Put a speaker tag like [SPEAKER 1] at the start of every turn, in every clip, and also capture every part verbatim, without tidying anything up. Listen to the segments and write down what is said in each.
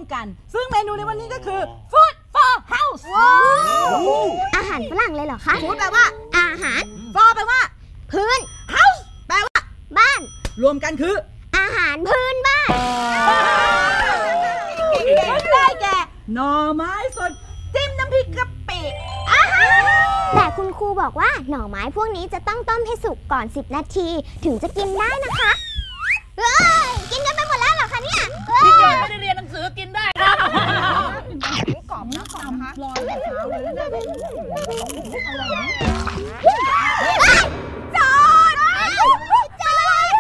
[SPEAKER 1] กันซึ่งเมนูในวันนี้ก็คือ Food for House
[SPEAKER 2] อาหารฝรั่งเลยเหรอคะ
[SPEAKER 1] Food แปลว่าอาหาร For แปลว่า
[SPEAKER 2] พื้น
[SPEAKER 1] House แปลว่า
[SPEAKER 2] บ้าน
[SPEAKER 1] รวมกันคือ
[SPEAKER 2] อาหารพื้นบ้าน
[SPEAKER 1] ได้แก่หน่อไม้สดจิ้มน้ำพริกกะปิ
[SPEAKER 2] แต่คุณครูบอกว่าหน่อไม้พวกนี้จะต้องต้มให้สุกก่อนสิบนาทีถึงจะกินได้นะคะเฮ้ยกินกันไปหมดแล้วเหรอคะเนี่ย
[SPEAKER 3] พี่เจนไม่ได้เรียนหนังสือกินได้ครับ
[SPEAKER 1] กรอบนะกรอบนะคะรอแต่เช้าเลยนะจอดจอด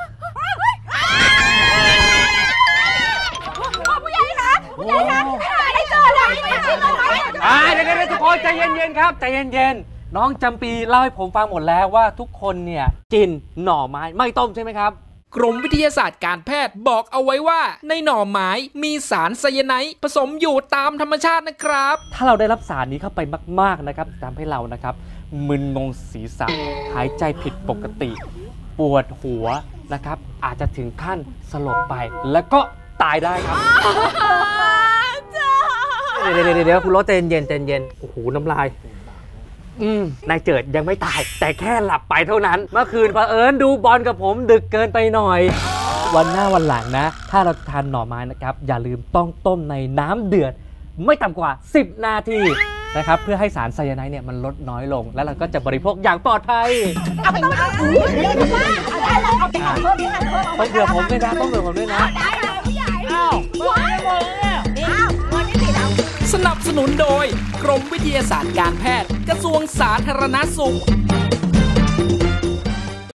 [SPEAKER 1] ผู้ใหญ่คะผู้ใหญ่คะได้เจอแล้ว
[SPEAKER 4] อ่าเดี๋ยวๆทุกคนใจเย็นๆครับใจเย็นๆน้องจำปีเล่าให้ผมฟังหมดแล้วว่าทุกคนเนี่ยกินหน่อไม้ไม่ต้มใช่ไหมครับ
[SPEAKER 5] กรมวิทยาศาสตร์การแพทย์บอกเอาไว้ว่าในหน่อไม้มีสารไซยาไนด์ผสมอยู่ตามธรรมชาตินะครับ
[SPEAKER 4] ถ้าเราได้รับสารนี้เข้าไปมากๆนะครับทำให้เรานะครับมึนงงศีรษะหายใจผิดปกติปวดหัวนะครับอาจจะถึงขั้นสลบไปแล้วก็ตายได้ครับเดี๋ยวเดี๋ยวเดี๋ยวคุณรถใจเย็นใจเย็นโอ้โหน้ำลายอืมนายเจิดยังไม่ตายแต่แค่หลับไปเท่านั้นเมื่อคืนเผอิญดูบอลกับผมดึกเกินไปหน่อยวันหน้าวันหลังนะถ้าเราทานหน่อไม้นะครับอย่าลืมต้องต้มในน้ำเดือดไม่ต่ำกว่าสิบนาทีนะครับเพื่อให้สารไซยาไนด์เนี่ยมันลดน้อยลงแล้วเราก็จะบริโภคอย่างปลอดภัย
[SPEAKER 1] เอาไปเอาเอาไปเอาเพิ่ม
[SPEAKER 4] ต้องเผื่อผมด้วยนะต้องเผื่อผมด้วยนะ
[SPEAKER 1] ได้เลยผู้ใหญ่
[SPEAKER 3] อ้าวไม่หมดเนี่ย
[SPEAKER 1] อ้าววันนี้ติดเอา
[SPEAKER 5] สนับสนุนโดยกรมวิทยาศาสตร์การแพทย์กระทรวงสาธารณสุข